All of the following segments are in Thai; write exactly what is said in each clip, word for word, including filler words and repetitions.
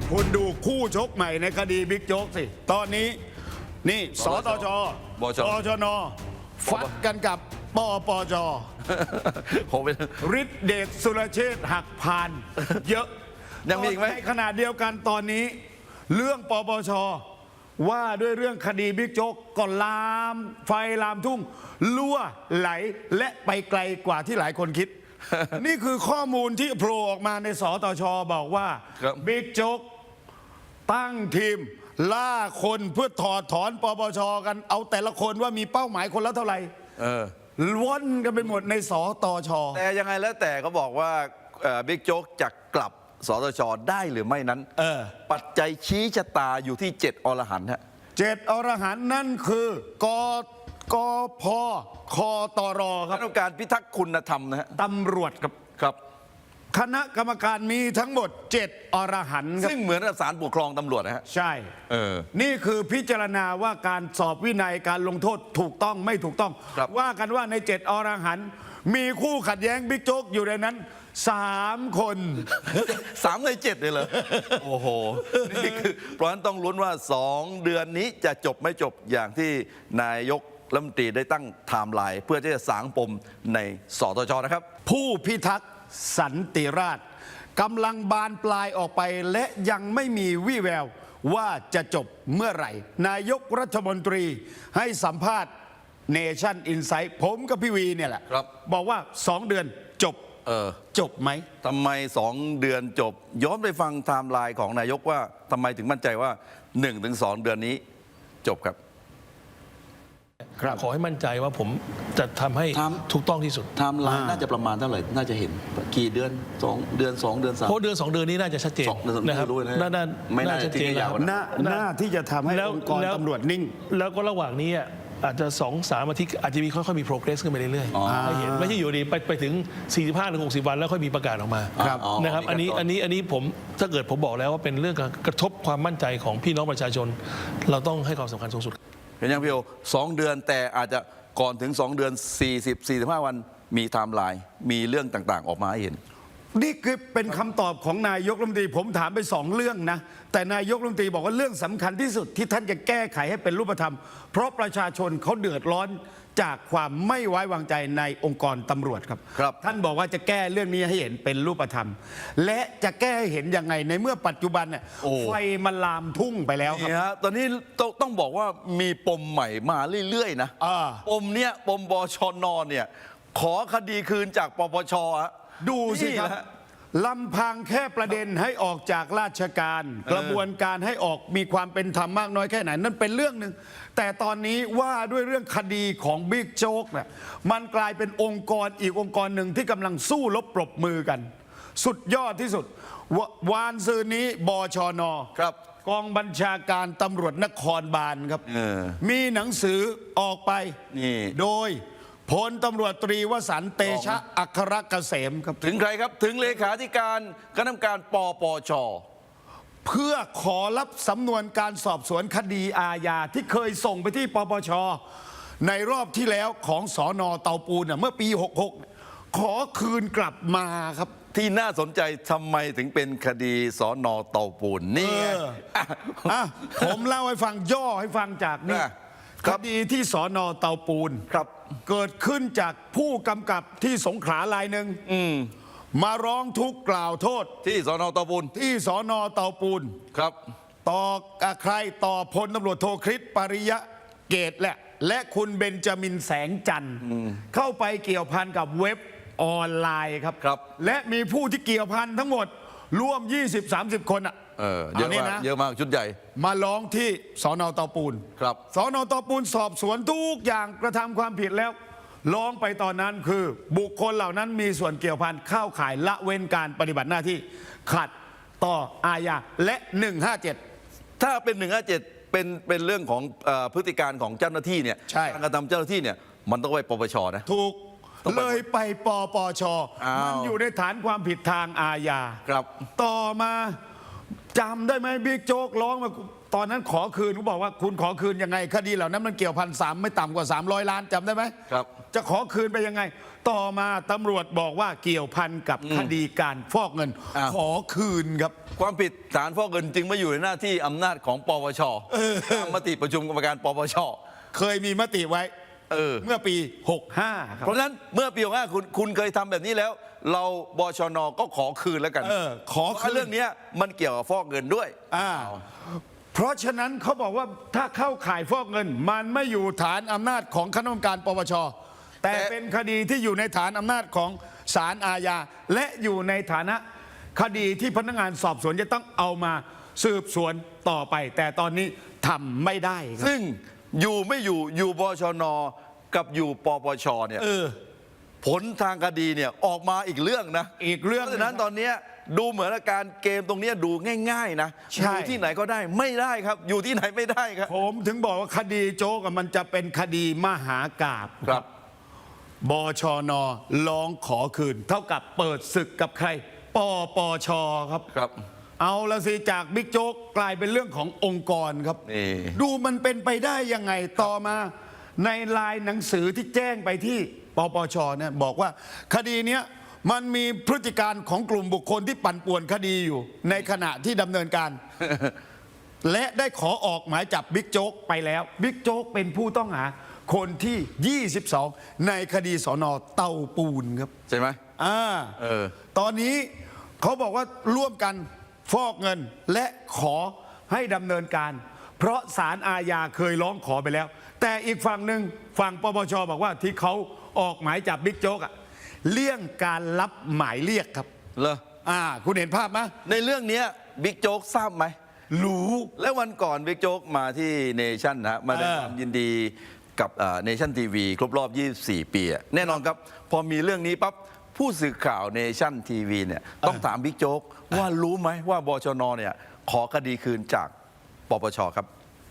คุณดูคู่ชกใหม่ในคดีบิ๊กโจ๊กสิ ตอนนี้นี่สตชบชปชนฟัดกันกับปปจโหเป็นฤทธิเดชสุรเชษฐ์หักพาน เยอะยังมีอีกไหมในขณะเดียวกันตอนนี้ เรื่องปปช ว่าด้วยเรื่องคดีบิ๊กโจ๊กก็ลามไฟลามทุ่งลั่วไหลและไปไกลกว่าที่หลายคนคิด นี่คือข้อมูลที่โผล่ออกมาในสตช บอกว่าครับบิ๊กโจ๊กตั้งทีม ล่าคนเพื่อถอดถอนปปช กันเอาแต่ละคนว่ามีเป้าหมายคนละเท่าไหร่เออล้วนกันไปหมดในสตชแต่ยังไงแล้วแต่เขาบอกว่าเอ่อบิ๊กโจ๊กจะกลับสตชได้หรือไม่นั้นเออปัจจัยชี้ชะตาอยู่ที่เจ็ดอรหันต์ฮะเจ็ดอรหันต์นั่นคือกกพคตรคครัณะบกรรมการพิทักษ์คุณธรรมนะฮะตำรวจครับครับคณะกรรมการมีทั้งหมดเจ็ดอรหันต์ครับซึ่งเหมือนกับศาลปกครองตำรวจนะฮะใช่เออนี่คือพิจารณาว่าการสอบวินัยการลงโทษถูกต้องไม่ถูกต้องครับว่ากันว่าในเจ็ดอรหันต์มีคู่ขัดแย้งบิ๊กโจ๊กอยู่ในนั้นสามคนสามในเจ็ดเลยเหรอ โอ้โห นี่คือเพราะฉะนั้นต้องลุ้นว่าสองเดือนนี้จะจบไม่จบอย่างที่นายกรัฐมนตรีได้ตั้งไทม์ไลน์เพื่อที่จะสางปมในสตชนะครับผู้พิทักษ์สันติราษฎร์กำลังบานปลายออกไปและยังไม่มีวี่แววว่าจะจบเมื่อไหร่ นายกรัฐมนตรีให้สัมภาษณ์เนชั่นอินไซต์ผมกับพี่วีเนี่ยแหละครับบอกว่าสองเดือนจบเออจบไหมทำไมสองเดือนจบ ย้อนไปฟังไทม์ไลน์ของนายกว่าทำไมถึงมั่นใจว่า หนึ่งถึงสอง เดือนนี้จบครับครับขอให้มั่นใจว่าผมจะทำให้ทำถูกต้องที่สุดไทม์ไลน์น่าจะประมาณเท่าไหร่ น่าจะเห็นกี่เดือนสองเดือนสองเดือนสามเพราะเดือนสองเดือนนี้น่าจะชัดเจนสองเดือนนะครับไม่รู้นะน่าน่าไม่น่าชัดเจนจะทิ้งแล้ยาว วนะหน้าหน้าที่จะทำให้แล้วองค์กรแล้วตำรวจนิ่งแล้วก็ระหว่างนี้อ่ะอาจจะสองสามอาทิตย์อาจจะมีค่อยๆมี progress ขึ้นไปเรื่อยๆให้เห็นไม่ใช่อยู่ดีไปไปถึง สี่สิบห้าถึงหกสิบ วันแล้วค่อยมีประกาศออกมาครับนะครับอันนี้อันนี้อันนี้ผมถ้าเกิดผมบอกแล้วว่าเป็นเรื่องการกระทบความมั่นใจของพี่น้องประชาชน เราต้องให้ความสำคัญสูงสุดเห็นยังพี่โอสองเดือนแต่อาจจะก่อนถึงสองเดือน สี่สิบ สี่สิบห้า วันมีไทม์ไลน์มีเรื่องต่างๆ ออกมาให้เห็นนี่คือเป็นคำตอบของนายกรัฐมนตรีผมถามไปสองเรื่องนะ แต่นายกรัฐมนตรีบอกว่าเรื่องสำคัญที่สุดที่ท่านจะแก้ไขให้เป็นรูปธรรม เพราะประชาชนเขาเดือดร้อนจากความไม่ไว้วางใจในองค์กรตำรวจครับครับท่านบอกว่าจะแก้เรื่องนี้ให้เห็นเป็นรูปธรรม และจะแก้ให้เห็นยังไงในเมื่อปัจจุบันเนี่ยโอ้ไฟมันลามทุ่งไปแล้วครับนี่ฮะตอนนี้ต้องต้องบอกว่ามีปมใหม่มาเรื่อยๆนะอ่าปมเนี้ยปมบชนเนี่ยขอคดีคืนจากปปชฮะดูสิครับนี่แหละลำพังแค่ประเด็นให้ออกจากราชการ กระบวนการให้ออกมีความเป็นธรรมมากน้อยแค่ไหนนั่นเป็นเรื่องหนึ่งแต่ตอนนี้ว่าด้วยเรื่องคดีของบิ๊กโจ๊กเนี่ยมันกลายเป็นองค์กรอีกองค์กรหนึ่งที่กำลังสู้รบปรบมือกัน สุดยอดที่สุดววานซืนนี้บชนครับกองบัญชาการตำรวจนครบาลครับเออมีหนังสือออกไปนี่โดยพลตำรวจตรีวสันต์เตชะอัครเกษมครับถึงใครครับถึงเลขาธิการคณะกรรมการปปชเพื่อขอรับสำนวนการสอบสวนคดีอาญาที่เคยส่งไปที่ปปช ในรอบที่แล้วของสอนอเตาปูนน่ะเมื่อปี หกหก ขอคืนกลับมาครับที่น่าสนใจทำไมถึงเป็นคดีสอนอเตาปูนนี่ไงเออ อ่ะผมเล่าให้ฟังย่อให้ฟังจากนี่อ่ะคครับ ดีที่สอนอเตาปูนครับเกิดขึ้นจากผู้กำกับที่สงขลารายหนึ่งมาร้องทุกข์กล่าวโทษที่สอนอเตาปูนที่สอนอเตาปูนครับต่อกับใครต่อพลตำรวจโทคริสปริยะเกตแหละ และคุณเบนจามินแสงจันทร์เข้าไปเกี่ยวพันกับเว็บออนไลน์ครับครับและมีผู้ที่เกี่ยวพันทั้งหมดร่วม ยี่สิบสามสิบ คนอ่ะเออเยอะนนี้มากนะเยอะมากชุดใหญ่มาร้องที่สอนอเตาปูนครับสอนอเตาปูนสอบสวนทุกอย่างกระทำความผิดแล้วร้องไปตอนนั้นคือ บุคคลเหล่านั้นมีส่วนเกี่ยวพันเข้าข่ายละเว้นการปฏิบัติหน้าที่ขัดต่ออาญาและหนึ่งห้าเจ็ดถ้าเป็นหนึ่งห้าเจ็ดเป็นเป็นเรื่องของเออพฤติการของเจ้าหน้าที่เนี่ยใช่การกระทำเจ้าหน้าที่เนี่ยมันต้องไปปปชนะถูกต้องไปเลยไปปปชอ้าวมันอยู่ในฐานความผิดทางอาญาครับต่อมาจำได้ไหมบิ๊กโจ๊กร้องมาตอนนั้นขอคืนเขาบอกว่าคุณขอคืนยังไงคดีเหล่านั้นมันเกี่ยวพันสามไม่ต่ำกว่าสามร้อยล้านจำได้ไหมครับจะขอคืนไปยังไง ต่อมาตำรวจบอกว่าเกี่ยวพันกับคดีการฟอกเงินอ้าวขอคืนครับความผิดฐานฟอกเงินจึงไม่อยู่ในหน้าที่อำนาจของปปชตามมติประชุมกรรมการปปชเคยมีมติไว้เออเมื่อปีหกห้าครับเพราะฉะนั้นเมื่อปีหกห้าคุณคุณเคยทำแบบนี้แล้ว เราบชนก็ขอคืนแล้วกันเออขอคืนเพราะเรื่องเนี้ยมันเกี่ยวกับฟอกเงินด้วยอ่าเพราะฉะนั้นเขาบอกว่าถ้าเข้าข่ายฟอกเงิน มันไม่อยู่ฐานอำนาจของคณะกรรมการปปชแต่แต่เป็นคดีที่อยู่ในฐานอำนาจของศาลอาญาและอยู่ในฐานะคดีที่พนักงานสอบสวนจะต้องเอามาสืบสวนต่อไป แต่ตอนนี้ทำไม่ได้ครับซึ่งอยู่ไม่อยู่อยู่บชนกับอยู่ปปชเนี่ยเออผลทางคดีเนี่ยออกมาอีกเรื่องนะอีกเรื่องเพราะฉะนั้นตอนเนี้ยดูเหมือนอาการเกมตรงเนี้ยดูง่ายๆนะใช่อยู่ที่ไหนก็ได้ไม่ได้ครับ อยู่ที่ไหนไม่ได้ครับผมถึงบอกว่าคดีโจ๊กอะมันจะเป็นคดีมหากาพย์ครับบชนร้องขอคืน เท่ากับเปิดศึกกับใคร ปปชครับครับเอาละสิจากบิ๊กโจ๊กกลายเป็นเรื่องขององค์กรครับนี่ดูมันเป็นไปได้ยังไงต่อมาในลายหนังสือที่แจ้งไปที่ปปชเนี่ยบอกว่าคดีเนี้ยมันมีพฤติการของกลุ่มบุคคลที่ปั่นป่วนคดีอยู่ ในขณะที่ดำเนินการ และได้ขอออกหมายจับบิ๊กโจ๊กไปแล้วบิ๊กโจ๊กเป็นผู้ต้องหาคนที่ ยี่สิบสอง ในคดีสอนอเตาปูนครับใช่ไหมอ่าเออตอนนี้เขาบอกว่าร่วมกันฟอกเงินและขอให้ดำเนินการ เพราะศาลอาญาเคยร้องขอไปแล้ว แต่อีกฝั่งหนึ่งฝั่งปปชบอกว่าที่เขาออกหมายจับบิ๊กโจ๊กอะเลี่ยงการรับหมายเรียกครับเหรออ่าคุณเห็นภาพไหมในเรื่องเนี้ยบิ๊กโจ๊กทราบไหมรู้และวันก่อนบิ๊กโจ๊กมาที่เนชั่นนะฮะมาแสดงเออความยินดีกับเนชั่นทีวีครบรอบ ยี่สิบสี่ ปีอะแน่นอนครับ พอมีเรื่องนี้ปั๊บผู้สื่อข่าวเนชั่นทีวีเนี่ยต้องถามบิ๊กโจ๊กว่ารู้ไหมว่าบชนเนี่ยขอคดีคืนจากปปชครับ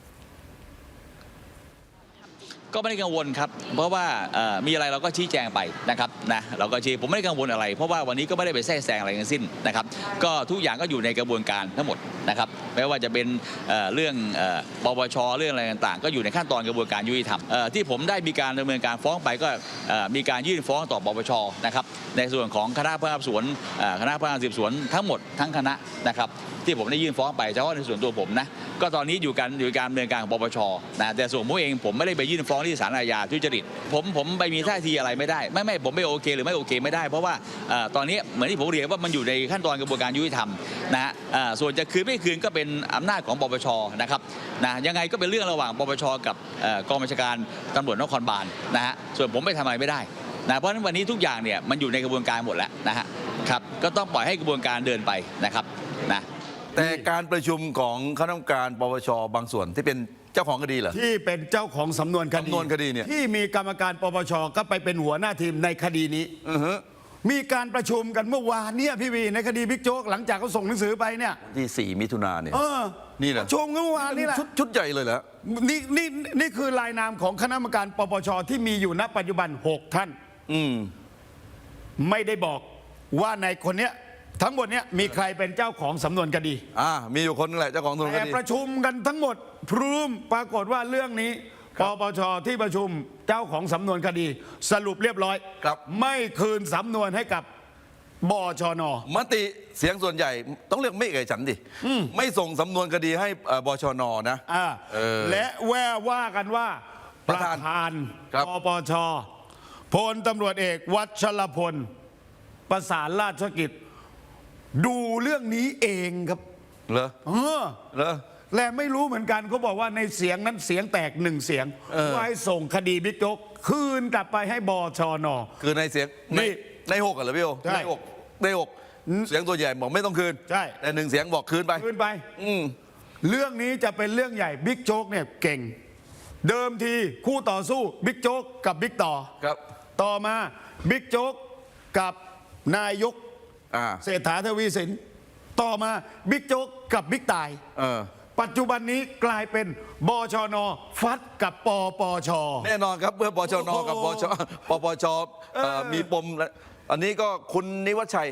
ก็ไม่ได้กังวลครับเพราะว่าเอ่อมีอะไรเราก็ชี้แจงไปนะครับนะเราก็ชี้ผมไม่ได้กังวลอะไร เพราะว่าวันนี้ก็ไม่ได้ไปแทรกแซงอะไรทั้งสิ้นนะครับก็ทุกอย่างก็อยู่ในกระบวนการทั้งหมดนะครับไม่ว่าจะเป็นเอ่อเรื่องเอ่อปปชเรื่องอะไรต่างๆ ก็อยู่ในขั้นตอนกระบวนการยุติธรรมเอ่อที่ผมได้มีการดำเนินการฟ้องไปก็เอ่อมีการยื่นฟ้องต่อปปชนะครับในส่วนของคณะพนักงานสอบสวนเอ่อคณะพนักงานสืบสวนทั้งหมดทั้งคณะนะครับที่ผมได้ยื่นฟ้องไปเฉพาะในส่วนตัวผมนะก็ตอนนี้อยู่การอยู่การดำเนินการของปปชนะแต่ส่วนผมเองผมไม่ได้ไปยื่นฟ้องที่ศาลอาญาทุจริตผมผมไปมีท่าทีอะไรไม่ได้ไม่ไม่ผมไม่โอเคหรือไม่โอเคไม่ได้เพราะว่าเอ่อตอนนี้เหมือนที่ผมเรียนว่ามันอยู่ในขั้นตอนกระบวนการยุติธรรมนะฮะเอ่อส่วนจะคืนไม่คืนก็เป็นอำนาจของปปชนะครับนะยังไงก็เป็นเรื่องระหว่างปปชกับเอ่อกองบัญชาการตำรวจนครบาลนะฮะส่วนผมไม่ทำอะไรไม่ได้นะเพราะฉะนั้นวันนี้ทุกอย่างเนี่ยมันอยู่ในกระบวนการหมดแล้วนะฮะครับก็ต้องปล่อยให้กระบวนการเดินไปนะครับนะแต่การประชุมของคณะกรรมการปปชบางส่วนที่เป็นเจ้าของคดีเหรอที่เป็นเจ้าของสำนวนคดีสำนวนคดีเนี่ยที่มีกรรมการปปชก็ไปเป็นหัวหน้าทีมในคดีนี้อือฮึมีการประชุมกันเมื่อวานเนี่ยพี่วีในคดีบิ๊กโจ๊กหลังจากเขาส่งหนังสือไปเนี่ยที่สี่มิถุนาเนี่ยเออนี่เหรอประชุมกันเมื่อวานนี่แหละชุดชุดใหญ่เลยเหรอนี่นี่นี่คือรายนามของคณะกรรมการปปชที่มีอยู่ณปัจจุบันหกท่านอืมไม่ได้บอกว่าในคนเนี้ยทั้งหมดเนี้ยมีใครเป็นเจ้าของสำนวนคดีอ่ามีอยู่คนนึงแหละเจ้าของสำนวนคแต่ดีประชุมกันทั้งหมดพร้อมปรากฏว่าเรื่องนี้ปปชที่ประชุมเจ้าของสำนวนคดี สรุปเรียบร้อยครับไม่คืนสำนวนให้กับบชนมติเสียงส่วนใหญ่ต้องเรียกไม่เอกฉันท์ดิไม่ส่งสำนวนคดีให้เอ่อบชนนะอ่าเออและแววว่ากันว่าปประ ระธานธานครับปปชพลตำรวจเอกวัชรพลประสานราชกิจ ดูเรื่องนี้เองครับเหรอเออเหรอและไม่รู้เหมือนกันเขาบอกว่าในเสียงนั้นเสียงแตกหนึ่งเสียงเออว่าให้ส่งคดีบิ๊กโจ๊กคืนกลับไปให้บชนคือในเสียงในนี่ในหกอะเหรอพี่โอใช่ในหกในหกเสียงตัวใหญ่บอกไม่ต้องคืนใช่แต่หนึ่งเสียงบอกคืนไปคืนไปอืมเรื่องนี้จะเป็นเรื่องใหญ่บิ๊กโจ๊กเนี่ยเก่ง เดิมทีคู่ต่อสู้บิ๊กโจ๊กกับบิ๊กต่อครับต่อมาบิ๊กโจ๊กกับนายกอ่าเศรษฐาทวีสินต่อมาบิ๊กโจ๊กกับบิ๊กต่ายเออปัจจุบันนี้กลายเป็นบชน ฟัดกับปปชแน่นอนครับเมื่อปชนโอ้โหกับปชปปชเอ่อเออมีปมและอันนี้ก็คุณนิวัชชัย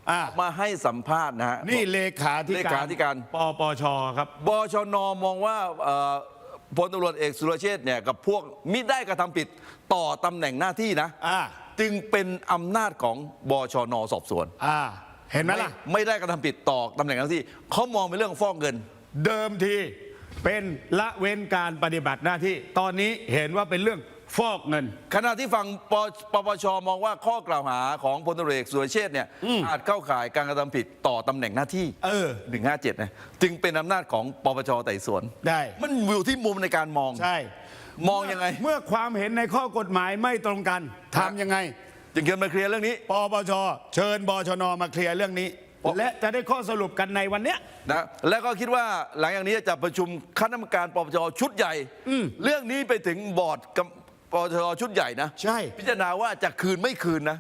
อ่ามาให้สัมภาษณ์นะฮะนี่เลขาธิเลการขาธิการปปชครับบชนมองว่าเอ่อพลตำรวจเอกสุรเชษฐ์เนี่ยกับพวกมิได้กระทำผิดต่อตำแหน่งหน้าที่นะอ่าจึงเป็นอำนาจของบชนสอบสวนอ่า เห็นไหมล่ะไม่ได้กระทำผิดต่อตำแหน่งหน้าที่เขามองเป็นเรื่องฟอกเงินเดิมทีเป็นละเว้นการปฏิบัติหน้าที่ ตอนนี้เห็นว่าเป็นเรื่องฟอกเงินขณะที่ฝั่งปปปชมองว่าข้อกล่าวหาของพลตำรวจเอกสุรเชษฐ์เนี่ยอาจเข้าข่ายการกระทำผิดต่อตำแหน่งหน้าที่เออหนึ่งห้าเจ็ดนะจึงเป็นอำนาจของปปชไต่สวนได้มันอยู่ที่มุมในการมองใช่มองยังไงเมื่อความเห็นในข้อกฎหมายไม่ตรงกันทำยังไงจึงเกิดมาเคลียร์เรื่องนี้ปปชเชิญบชนมาเคลียร์เรื่องนี้เพราะและจะได้ข้อสรุปกันในวันเนี้ยนะแล้วก็คิดว่าหลังจากนี้จะประชุมคณะกรรมการปปชชุดใหญ่ เรื่องนี้ไปถึงบอร์ดกับปปชชุดใหญ่นะใช่พิจารณาว่าจะคืนไม่คืนนะ